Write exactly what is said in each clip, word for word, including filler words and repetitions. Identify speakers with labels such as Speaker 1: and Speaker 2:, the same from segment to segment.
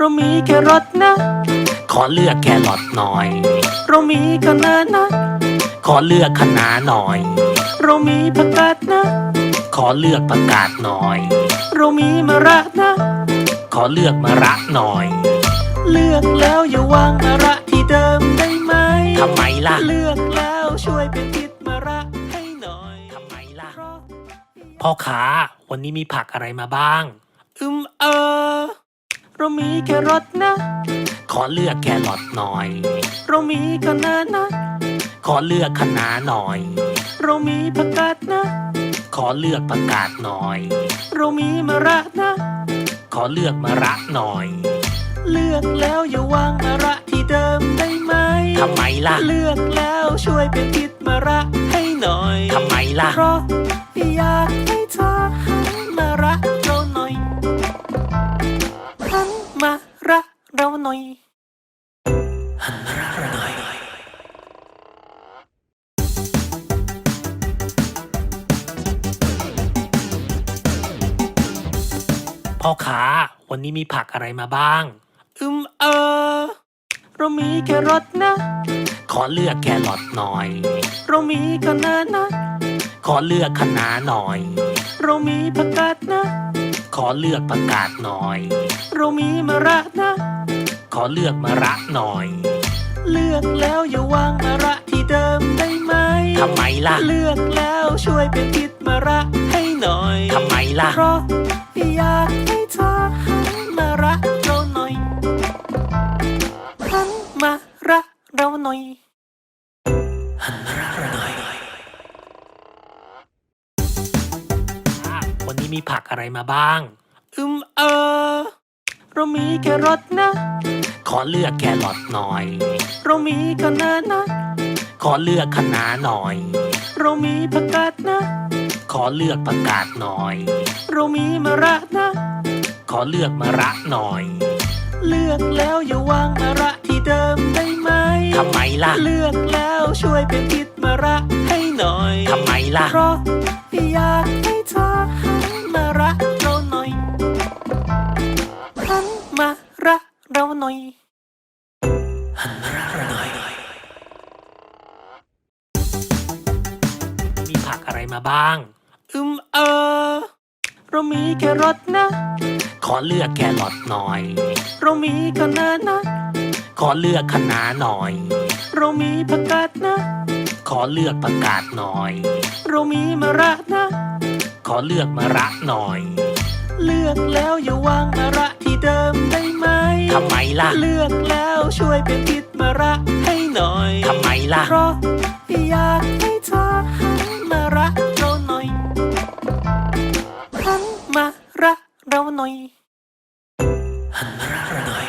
Speaker 1: เรามีแครอทนะขอเลือกแครอทหน่อยเรามีคะน้านะขอเลือกคะน้าหน่อยเรามีผักกาดนะขอเลือกผักกาดหน่อยเรามีมะระนะขอเลือกมะระหน่อยเลือกแล้วอย่าวางมะระที่เดิมได้ไหมทำไมล่ะเลือกแล้วช่วยเป็นทิศมะระให้หน่อยทำไมล่ะพ่อค้าวันนี้มีผักอะไรมาบ้างอืมเออเรามีแครอทนะขอเลือกแครอทหน่อยเรามีคะน้านะขอเลือกคะน้าหน่อยเรามีผักกาดนะขอเลือกผักกาดหน่อยเรามีมะระนะขอเลือกมะระหน่อยเลือกแล้วอย่าวางมะระที่เดิมได้ไหมทำไมล่ะเลือกแล้วช่วยเป็นทิศมะระให้หน่อยทำไมล่ะเพราะอยากให้เธอหันมารักเราหน่อยหันมารักเราหน่อยหันมารักเราหน่อยพ่อค้าวันนี้มีผักอะไรมาบ้างอืมเออเรามีแครอทนะขอเลือกแครอทหน่อยเรามีคะน้านะขอเลือกคะน้าหน่อยเรามีผักกาดนะขอเลือกผักกาดหน่อยเรามีมะระนะขอเลือกมะระหน่อยเลือกแล้วอย่าวางมะระที่เดิมได้ไหมทำไมล่ะเลือกแล้วช่วยเป็นทิศมะระให้หน่อยทำไมล่ะเพราะอยากให้เธอหันมารักเราหน่อยหันมารักเราหน่อยหันมารักเราหน่อยวันนี้มีผักอะไรมาบ้างอืมเออเรามีแครอทนะขอเลือกแครอทหน่อยเรามีคะน้านะขอเลือกคะน้าหน่อยเรามีผักกาดนะขอเลือกผักกาดหน่อยเรามีมะระนะขอเลือกมะระหน่อยเลือกแล้วอย่าวางมะระที่เดิมได้ไหมทำไมล่ะเลือกแล้วช่วยเป็นทิศมะระให้หน่อยทำไมล่ะเพราะอยากให้เธอหันมารักเราหน่อยหันมารักเราหน่อยหันมารักเราหน่อยมีผักอะไรมาบ้างอืมเออเรามีแครอทนะขอเลือกแครอทหน่อยเรามีคะน้านะขอเลือกคะน้าหน่อยเรามีผักกาดนะขอเลือกผักกาดหน่อยเรามีมะระนะขอเลือกมะระหน่อยเลือกแล้วอย่าวางมะระที่เดิมได้ไหมทำไมล่ะเลือกแล้วช่วยเป็นทิศมะระให้หน่อยทำไมล่ะเพราะอยากให้เธอหันมารักเราหน่อยหันมารักเราหน่อยหันมารักเราหน่อย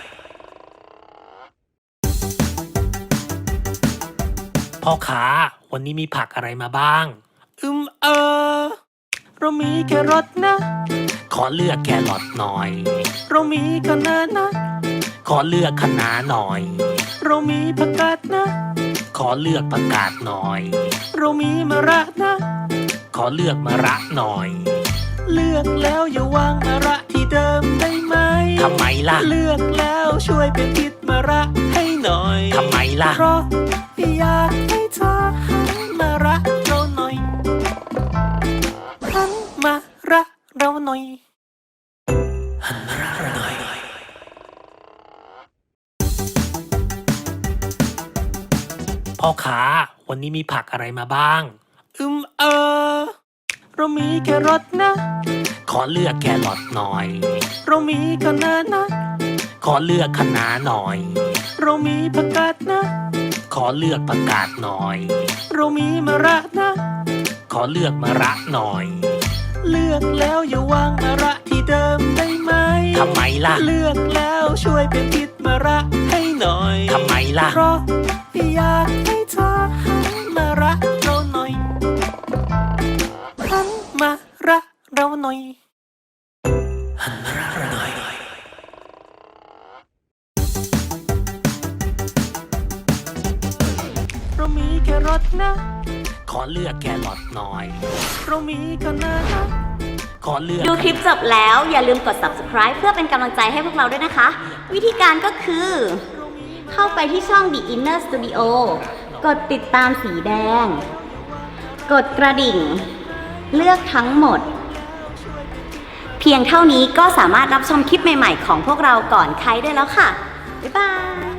Speaker 1: พ่อค้าวันนี้มีผักอะไรมาบ้างอืมเออเรามีแครอทนะขอเลือกแครอทหน่อยเรามีคะน้านะขอเลือกคะน้าหน่อยเรามีผักกาดนะขอเลือกผักกาดหน่อยเรามีมะระนะขอเลือกมะระหน่อยเลือกแล้วอย่าวางมะระที่เดิมได้ไหมทำไมล่ะเลือกแล้วช่วยเป็นทิศมะระให้หน่อยทำไมล่ะเพราะอยากให้เธอหันมารักเราหน่อยหันมารักเราหน่อยหันมารักเราหน่อยพ่อค้าวันนี้มีผักอะไรมาบ้างอืมเออเรามีแครอทนะขอเลือกแครอทหน่อยเรามีคะน้านะขอเลือกคะน้าหน่อยเรามีผักกาดนะขอเลือกผักกาดหน่อยเรามีมะระนะขอเลือกมะระหน่อยเลือกแล้วอย่าวางมะระที่เดิมได้ไหมทำไมล่ะเลือกแล้วช่วยเป็นทิศมะระให้หน่อยทำไมล่ะเพราะอยากให้เธอหันมารักเราหน่อยหันมารักเราหน่อยหันมารักเราหน่อยเรามีแครอทนะขอเลือกแครอทหน่อยเรามีคะน้านะขอเลือก
Speaker 2: ดูคลิปจบแล้วอย่าลืมกด ซับสไครบ์ เพื่อเป็นกำลังใจให้พวกเราด้วยนะคะ วิธีการก็คือ เข้าไปที่ช่อง The Inner Studio กดติดตามสีแดง กดกระดิ่ง เลือกทั้งหมด เพียงเท่านี้ก็สามารถรับชมคลิปใหม่ๆของพวกเราก่อนใครได้แล้วค่ะ บ๊ายบาย